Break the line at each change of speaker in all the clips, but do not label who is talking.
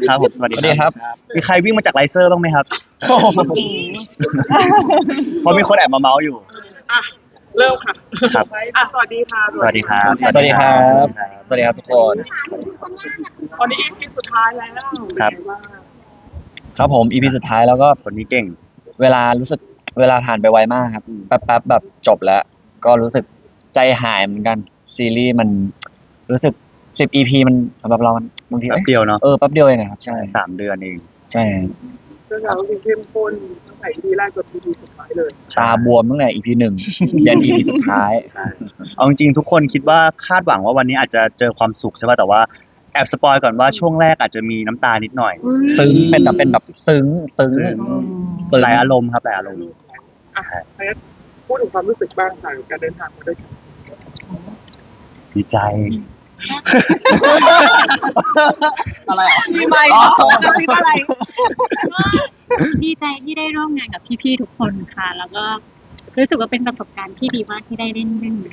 ครับผมสวัส
ส
ดี
วัสดีครับ
มีใครวิ่งมาจากไลเซอร์บ้างไหมครับเพราะมีคนแอบมาเมาส์อยู่
อ่ะเริ่มค่ะ
ครับ
อ่ะสวัสดีค่ะ
สวัสดีครับ
สวัสดีครับ สวัสดีครับทุกคน
วันนี้ EP สุดท้ายแล้ว
ครับ
เป็นไงาง
ครับผม EP สุดท้ายแล้วก็
คนนี้เก่ง
เวลารู้สึกเวลาผ่านไปไวมากครับแป๊บๆแบบจบแล้ว ก็รู้สึกใจหายเหมือนกันซีรีส์มันรู้สึก10 EP มันสำหรับเรามันบางที
แป๊บเดียวเนาะ
แป๊บเดียวเองอะครับใช่
3 เดือนเอง
ใช่
เรื่องราวที่เข้มข้นตั้งแต่ EP แรกจน EP สุดท้ายเลย
ตาบวมตั้งแต่ EP 1ยัน EP สุดท้าย
ใช่เอาจริงๆทุกคนคิดว่าคาดหวังว่าวันนี้อาจจะเจอความสุขใช่ป่ะแต่ว่าแอบสปอยก่อนว่าช่วงแรกอาจจะมีน้ำตานิดหน่อย
ซึ้งเป็นแบบซึ้ง
ซึ้ง
ซึ้ง
หลายอารมณ์ครับหลายอารมณ์
อ่ะเพชรพูดถึงความรู้สึกบ้างค่ะกับการเดินทางมาด้วยกัน
ดีใจ อะไรอ่ะ
มีไหมมีอะไร
ก็ดีใจที่ได้ร่วมงานกับพี่ๆทุกคนค่ะ แล้วก็รู้สึกว่าเป็นประสบการณ์ที่ดีมากที่ได้เล่นเรื่องนี้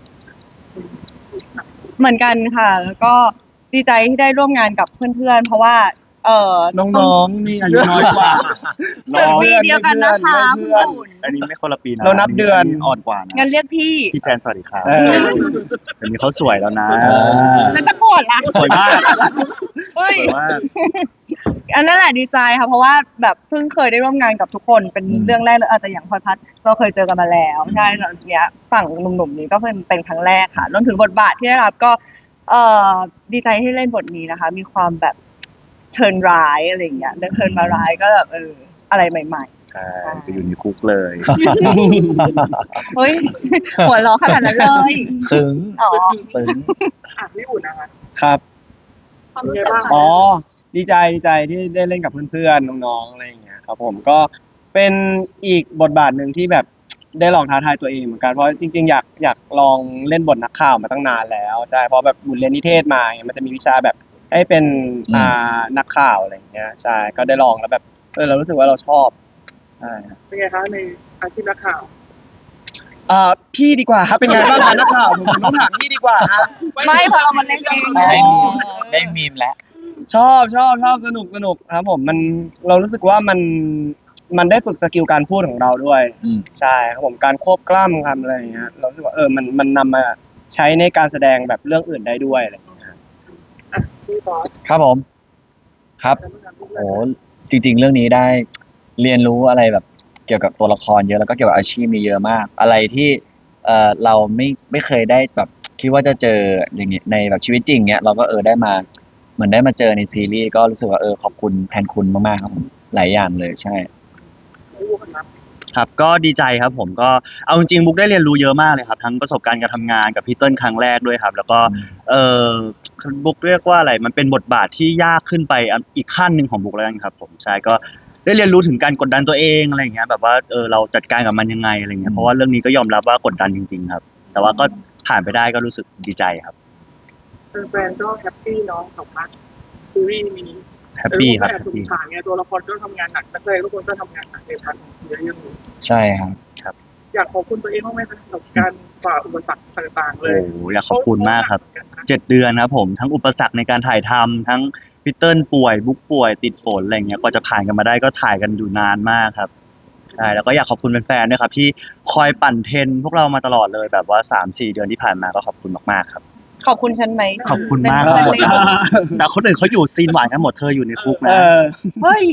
เหมือนกันค่ะ แล้วก็ดีใจที่ได้ร่วมงานกับเพื่อนๆ เพราะว่า
น้องๆมีอายุน้อยกว่า
ตึกปีเดียวกันนะคะคุณ
อันนี้ไม่คนละปีนะ
เรานับเดือน
อ่อนกว่านะ
งั้นเรียกพี่
พี่แจนสวัสดีครับ
เออ
เดี๋ยวนี้เขาสวยแล้วนะ
แล้วจะโกรธละ
สวยมาก
เฮ้ย
สวยมาก
อันนั้นแหละดีใจค่ะ เพราะว่าแบบเพิ่งเคยได้ร่วมงานกับทุกคนเป็นเรื่องแรกเลยอาจจะอย่างพลอยพัฒน์เราเคยเจอกันมาแล้วใช่แล้วเนี้ยฝั่งหนุ่มๆนี้ก็เป็นครั้งแรกค่ะรวมถึงบทบาทที่ได้รับก็ดีใจที่เล่นบทนี้นะคะ มีความแบบเทิร์นร้ายอะไรอย่างเงี้ยเรื่องเทิร์นมาร้ายก็แบบอะไรใหม่
ใช่ไปอยู่ในคุกเลย
ๆเฮ้ย หัวเราะขนาดนั้นเลย
ซึ้ง
อ๋อ
ซึ้ง
อ่ะพี่อุ่นนะคะ
ครับ
เป็นไงบ้าง
อ๋อ ดีใจที่ได้เล่นกับเพื่อนๆน้องๆอะไรอย่างเงี้ยครับผมก็เป็นอีกบทบาทหนึ่งที่แบบได้ลองท้าทายตัวเองเหมือนกันเพราะจริงๆอยากลองเล่นบทนักข่าวมาตั้งนานแล้วใช่เพราะแบบบุญเรียนนิเทศมามันจะมีวิชาแบบให้เป็นนักข่าวอะไรอย่างเงี้ยใช่ก็ได้ลองแล้วแบบเรารู้สึกว่าเราชอบใช่ครับ
เป็นไงคะในอาชีพนักข่าว
พี่ดีกว่าครับเป็นไงบ้างคะนักข่าวผมต้องถามพี่ดีกว่าฮะ
ไม่พอเรามาเล่นเอง
อ๋อ
ได้มีมแล้ว
ชอบสนุกครับผมเรารู้สึกว่ามันได้ฝึกสกิลการพูดของเราด้วย ใช่ครับผมการควบกล้ำคำอะไรอย่างเงี้ยเรารู้สึกว่ามันนำมาใช้ในการแสดงแบบเรื่องอื่นได้ด้วยอะไรอย่างเงี้ยครับ
อ่ะพี่บอส
ครับผม ครับ โอ้จริง ๆ เรื่องนี้ได้เรียนรู้อะไรแบบเกี่ยวกับตัวละครเยอะแล้วก็เกี่ยวกับอาชีพมีเยอะมาก อะไรที่เราไม่เคยได้แบบคิดว่าจะเจออย่างเงี้ยในแบบชีวิตจริงเนี้ยเราก็ได้มาเหมือนได้มาเจอในซีรีส์ก็รู้สึกว่าขอบคุณแทนคุณมากๆครับผมหลายอย่างเลยใช่
พี่อุ่นครับ
ครับก็ดีใจครับผมก็เอาจริงๆบุ๊กได้เรียนรู้เยอะมากเลยครับทั้งประสบการณ์การทำงานกับพี่เติ้ลครั้งแรกด้วยครับ แล้วก็เออบุ๊กเรียกว่าอะไรมันเป็นบทบาทที่ยากขึ้นไปอีกขั้นหนึ่งของบุ๊กแล้วกันครับผมใช่ก็ได้เรียนรู้ถึงการกดดันตัวเองอะไรอย่างเงี้ยแบบว่าเราจัดการกับมันยังไงอะไรเงี้ยเพราะว่าเรื่องนี้ก็ยอมรับว่ากดดันจริงๆครับ แต่ว่าก็ผ่านไปได้ก็รู้สึกดีใจครับ
แฟนๆก็แฮปปี้เนาะกับพาร์ทซีรีส์นี้
แฮปปี้ครับ
แต่
แฮป
สง
ปี้
สารไงตัวละครก็ทำงานหนักนักแสดงทุกคนก็ทำงานหนักในพาร์ทของเรื่องนี้
ใช่ครับ
อยากขอบคุณตัวเองบ้างไหมคะกับการฝ่าอุปสรรคต่างๆ เล
โอ้
ย
โหอยากขอบคุณมากครับ 7 เดือนครับผมทั้งอุปสรรคในการถ่ายทำทั้งพีเติ้ลป่วยบุ๊กป่วยติดฝนอะไรเงี้ยกว่าจะผ่านกันมาได้ก็ถ่ายกันอยู่นานมากครับใช่แล้วก็อยากขอบคุณแฟนๆด้วยครับที่คอยปั่นเทรนพวกเรามาตลอดเลยแบบว่า 3-4 เดือนที่ผ่านมาก็ขอบคุณมากๆครับ
ขอบคุณฉันไหม
ขอบคุณมาก
เป็น
หมด
เรื่อง
แต่คนอื่นเขาอยู่ซีนหวานกันหมดเธออยู่ในคุกนะ
เฮ้ย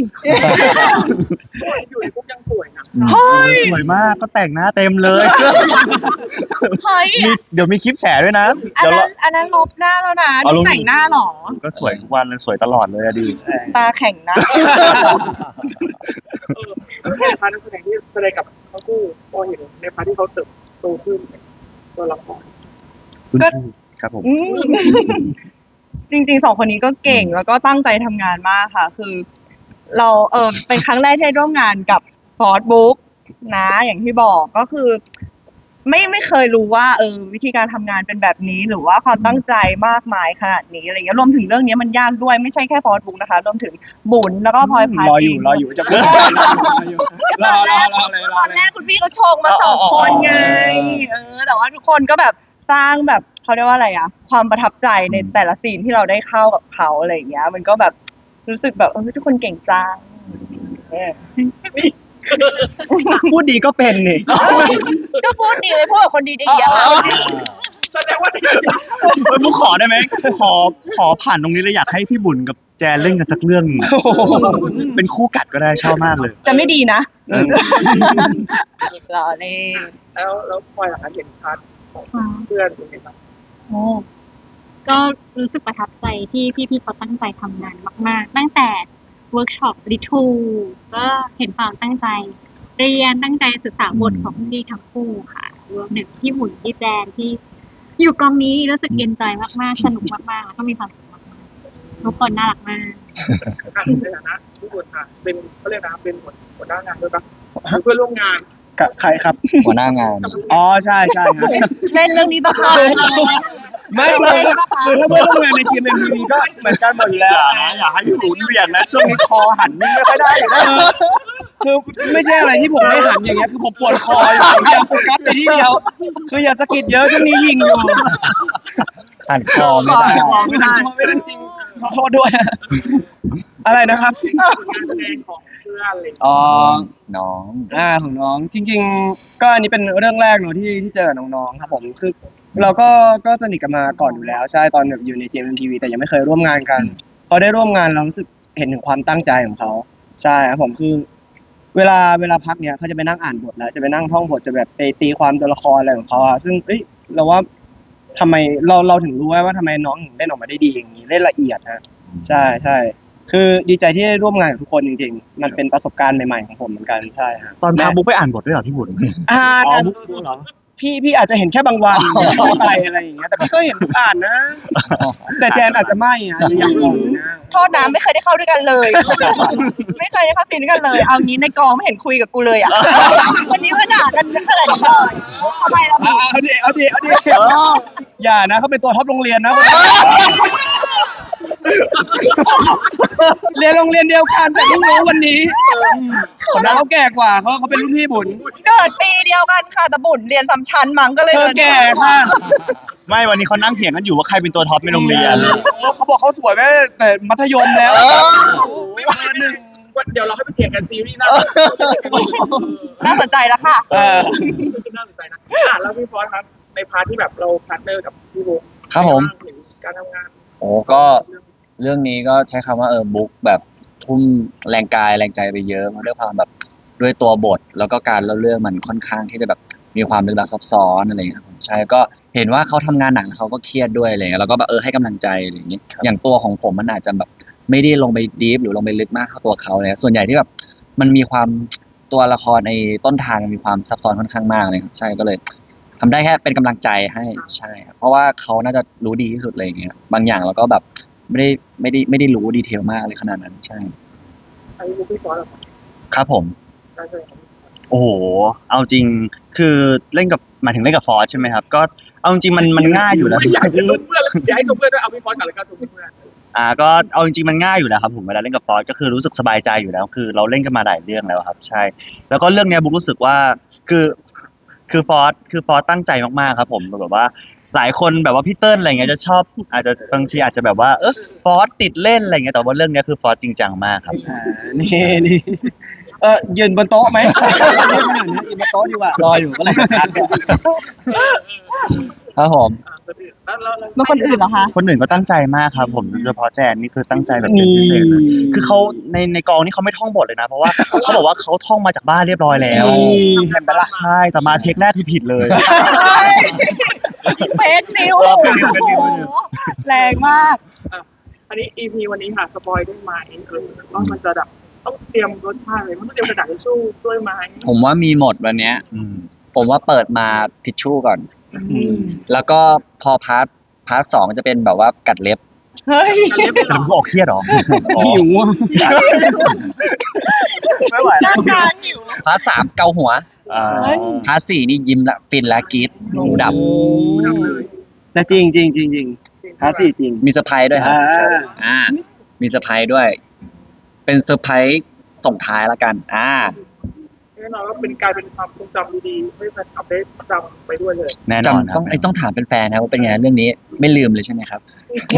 อยู่ในคุกยังสวยนะ
เฮ้ย
สวยมากก็แต่งหน้าเต็มเลย
เฮ้ย
เดี๋ยวมีคลิปแฉด้วยนะ
อัน
เดี๋ยว
นั้นลบหน้าแล้วนะ
เอาล
นี่
ง
แต่งหน้าเหรอ
ก็สวยทุกวันเลยสวยตลอดเลยอะดี
ตาแข็งนะ
แล้วในพาร์ทนักแสดงที่แสดงกับทั้งคู่พอเห็นในพาร์ทที่เขาเติบโตขึ้นตัวละคร
ก็
ครับผม
อืมจริงๆ2 คนนี้ก็เก่งแล้วก็ตั้งใจทำงานมากค่ะ คือ เราเป็นครั้งแรกที่ได้ร่วมงานกับฟอร์ดบุ๊กนะ อย่างที่บอกก็คือ ไม่เคยรู้ว่าวิธีการทำงานเป็นแบบนี้ หรือว่าความตั้งใจมากมายขนาดนี้อะไรเงี้ยรวมถึงเรื่องนี้มันยากด้วยไม่ใช่แค่ฟอร์ดบุ๊กนะคะรวมถึงบุญแล้วก็พลอยพัฒน์
รออยู่จะพูดรอเลย
ตอนแรกคุณพี่เขาโชงมา2 คนไงแต่ว่าทุกคนก็แบบสร้างแบบเขาเรียกว่าอะไรอะความประทับใจในแต่ละซีนที่เราได้เข้ากับเขาอะไรอย่างเงี้ย มันก็แบบรู้สึกแบบทุกคนเก่งจัง
พูดดีก็เป็นนี่
ก็พูดดีเลยพูดกับคนดีๆอะ
แสดงว่า
มุกขอได้ไหมขอผ่านตรงนี้เลยอยากให้พี่บุญกับแจนเล่นกันสักเรื่องหนึ่งเป็นคู่กัดก็ได้ชอบมากเลย
จะไม่ดีนะรอเล่น
แล้วพลอยหลังเห็นพาร์ทของเพื่อนเป็นไงบ้าง
โอ้ก็รู้สึกประทับใจที่พี่ๆเขาตั้งใจทำงานมากๆ ตั้งแต่เวิร์กช็อปรีทูก็เห็นความตั้งใจ เรียนตั้งใจศึกษาบทของพี่ทั้งคู่ค่ะรวมถึงพี่หมุนพี่แจนที่อยู่กองนี้รู้สึกเย็นใจมากๆ สนุกมากๆแล้วก็มีความสุขมากๆทุกคนน่ารักมาก
ในฐานะที่บุญค่ะเป็นเขาเรียกนะเป็นหัวหน้างานด้วยปะเพื่อนร่วมงาน
กับใครครับ
หัวหน้างาน
อ๋อใช่ครับ
เล่นเรื่องนี้ปะคะ
ไม่คือถ้าเพื่อนร่วมงานในทีมเอ็มวีก็เหมือนกันหมดอยู่แล้ว
อย่าให้พี่บุญเบี่ยงนะช่วงนี้คอหันนิ่งไม่ค่อยได้อยู่นะ
คือไม่ใช่อะไรที่ผมไม่หันอย่างเงี้ยคือผมปวดคออยู่ผมอยากโฟกัสไปที่เดียว คืออย่าสะกิดเยอะช่วงนี้ยิงอยู่
หันคอไม่ได้
ไม่ได้ไม่ได้จริงขอโทษด้วย อะไรนะครับ
ผลงานแสดงของเพื่อนอะไรอย่างเงี้ย
อ๋อ
น้อง
ของน้องจริง ๆ ก็อันนี้เป็นเรื่องแรกเนาะที่เจอกับน้องๆครับผมคือเราก็สนิทกันมาก่อนอยู่แล้วใช่ตอนแบบอยู่ใน JMTV แต่ยังไม่เคยร่วมงานกันพอได้ร่วมงานเรารู้สึกเห็นถึงความตั้งใจของเขาใช่ครับผมคือ เวลาพักเนี่ยเขาจะไปนั่งอ่านบทแล้วจะไปนั่งท่องบทจะแบบไปตีความตัวละครอะไรของเขาอะซึ่งเราว่าทำไมเราถึงรู้ว่าทำไมน้องถึงเล่นออกมาได้ดีอย่างนี้เล่นละเอียดนะใช่คือดีใจที่ได้ร่วมงานกับทุกคนจริงๆมันเป็นประสบการณ์ใหม่ๆของผมเหมือนกันใช่ครับ
ตอนพาบุ๊กไปอ่านบทด้วยเหรอพี่บุญ
อ่าน
อ๋อ
อ่าน
บุ๊กเหรอ
พี่อาจจะเห็นแค่บางวันไม่ไปอะไรอย่างเงี้ยแต่พี่ก็เห็นอ่านนะ แต่แจนอาจจะไม่อาจจะยังอ่อนอยู่นะ
โทษนะไม่เคยได้เข้าด้วยกันเลย ไม่เคยได้เข้าซีนด้วยกันเลย เอางี้ในกองไม่เห็นคุยกับกูเลยอ่ะวันนี้ว่าด่ากันขนาดนี้เลยทำไมเรา
เอาดิอย่านะเขาเป็นตัวท็อปโรงเรียนนะเรียนโรงเรียนเดียวกันแต่เพิ่งรู้วันนี้คนนั้นเขาแก่กว่าเขาเป็นรุ่นพี่บุญ
เกิดปีเดียวกันค่ะแต่บุญเรียนซ้ำชั้นมั้งก็เลย
เธอแก่ค่ะ
ไม่วันนี้เขานั่งเถียงกันอยู่ว่าใครเป็นตัวท็อปในโรงเรียน
เขาบอกเขาสวยแม่แต่มัธยมแล้ว
ไม่ว่าหนึ่งเดี๋ยวเราให้ไปเถียงกันซีรีส์หน้า
น่าสนใจแล้วค่ะ
น่าสนใจนะแล้วพี่ฟอสครับในพาร์ทที่แบบเราพาร์ทเนอร์กับพี่บุ๊ก
ครับผม
การทำงาน
โอ้ก็เรื่องนี้ก็ใช้คำว่าบุ๊กแบบทุ่มแรงกายแรงใจไปเยอะมาด้วยความแบบด้วยตัวบท แล้วก็การเล่าเรื่องมันค่อนข้างที่จะแบบมีความลึกลับซับซ้อนอะไรอย่างเงี้ยครับผมใช่ก็เห็นว่าเขาทำงานหนักแล้วเขาก็เครียดด้วยอะไรเงี้ยแล้วก็แบบให้กำลังใจอะไรอย่างเงี้ยอย่างตัวของผมมันอาจจะแบบไม่ได้ลงไปดีฟหรือลงไปลึกมากเท่าตัวเขาเลยส่วนใหญ่ที่แบบมันมีความตัวละครในต้นทางมันมีความซับซ้อนค่อนข้างมากเลยครับใช่ก็เลยทำได้แค่เป็นกำลังใจให้ใช่ครับเพราะว่าเขาน่าจะรู้ดีที่สุดเลยอย่างเงี้ยบางอย่างเราก็แบบไม่ได้รู้ดีเทลมากเลยขนาดนั้นใช่
ไอ้บุ๊กพี่ฟอสเหรอ
ครับผม
การแสดงของ
โอ้โห เอาจริง คือเล่นกับหมายถึงเล่นกับฟอสใช่ไหมครับ ก็เอาจริงมันง่ายอยู่แล้ว
อยากจะชมเพื่อนอยากให้ชมเพื่อนด้วยเอาพี่ฟอสก่อนเลยครับชมเพื่อน
ก็เอาจริงๆมันง่ายอยู่แล้วครับผมเวลาเล่นกับฟอสก็คือรู้สึกสบายใจอยู่แล้ว คือเราเล่นกันมาหลายเรื่องแล้วครับ ใช่ แล้วก็เรื่องเนี้ยบุ๊กรู้สึกว่าคือฟอสตั้งใจมากๆครับผมแบบว่า หลายคนแบบว่าพี่เติ้ลอะไรเงี้ยจะชอบอาจจะบางทีอาจจะแบบว่าฟอสติดเล่นอะไรเงี้ยแต่ว่าเรื่องเนี้ยคือฟอสจริงจังมากครับ
นี่ยืนบนโต๊ะไหมยืนบนโต๊ะดีกว่าร
ออยู่ก็เลยนัดกันครับผม
แล้ว
แล้วคนอื่นเหรอคะ
คนอื่นก็ตั้งใจมากครับผมโดยเฉพาะแจนนี่คือตั้งใจแบบเป็นพิเศษเลยคือเขาในกองนี่เขาไม่ท่องบทเลยนะ เพราะว่าเขาบอกว่าเขาท่องมาจากบ้านเรียบร้อยแล้วเห็นปะล่ะใช่แต่มาเทคแรกคือผิดเลย
เฟซนิวโอ้โหแรงมาก
อันนี้ EP วันนี้ค่ะสปอยได้ไหมว่ามันจะแบบต้องเตรียมรสชาติอะไรมันต้องเตรียมกระดาษทิชชู่ด้วยไหม
ผมว่ามีหมดวันเนี้ย ผมว่าเปิดมาทิชชู่ก่อน แล้วก็พอพาร์ท2จะเป็นแบบว่ากัดเล็บ
เฮ้ย
แต่ผมก็ออกเครียดเหรอ
หิวอ่ะ
ไม่ไหว
ร่างกายหิว
พาร์ท3เกาหัว
อ่า
พาร์ท4นี่ยิ้มละฟินละกรีดหูดับ
ดับเลย
แต่จริงฮาสี่จริง
มีเซอร์ไพรส์ด้วยครับ มีเซอร์ไพรส์ด้วย เป็นเซอร์ไพรส์ส่งท้ายละกัน
เอ๊ะน่นอนว่าเป็นกลายเป็นความทรงจำดีๆให้แฟนคลับได้จำไปด้วยเลย
แน่นอนค
ต้
รั
อบ งต้องถามเป็นแฟนๆนะว่าเป็นไงเรื่องนี้ไม่ลืมเลยใช่ไหมครับ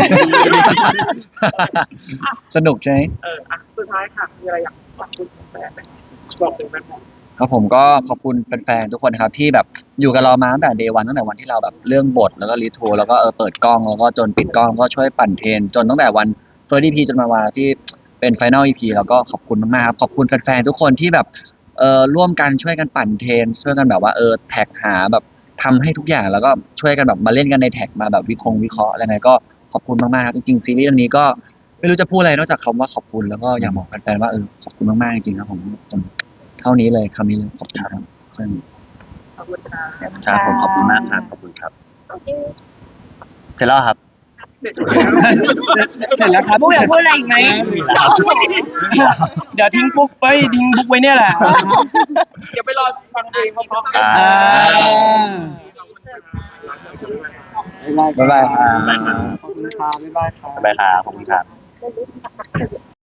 สนุกใช่ไหม
สุดท้ายค่ะมีอะไรอยากฝากคุณแฟนไหมบอกถึงแฟน
ครับผมก็ขอบคุณแฟนๆทุกคนนะครับที่แบบอยู่กับเรามาตั้งแต่เดย์วันตั้งแต่วันที่เราแบบเรื่องบทแล้วก็รีทูแล้วก็เปิดกล้องแล้วก็จนปิดกล้องก็ช่วยปั่นเทรนจนตั้งแต่วันเฟิร์สอีพีจนมาวันที่เป็นไฟนอลอีพีแล้วก็ขอบคุณมากๆครับขอบคุณแฟนๆทุกคนที่แบบร่วมกันช่วยกันปั่นเทรนช่วยกันแบบว่าแท็กหาแบบทำให้ทุกอย่างแล้วก็ช่วยกันแบบมาเล่นกันในแท็กมาแบบวิเคราะห์อะไรไงก็ขอบคุณมากๆครับจริงๆซีรีส์เรื่องนี้ก็ไม่รู้จะพูดอะไรนอกจากคำว่าขอบคุณแล้วก็อยากบอกแฟนๆว่าขอบคุณมากๆจริงๆครับผมเท่านี้เลยคำนี้เลยขอบคุณครับใช่
ขอบคุณค่ะ
ครับผมขอบคุณมากครับขอบคุณครับ
โอเค
เสร็จแล้วครับ
เสร็จแล้ว
เสร็จแล้วครับ
บุ๊กอยากพูดอะไรอีกไหม
เดี๋ยวทิ้งฟุกไว้ทิ้งบุ๊กไว้เนี่ยแหละ
เดี๋ยวไปรอฟังเพลงเพราะๆกัน
อ่า
บ๊ายบายครับ
ขอบคุณครับบ๊ายบายครับ
บ๊ายบายครับขอบคุณครับ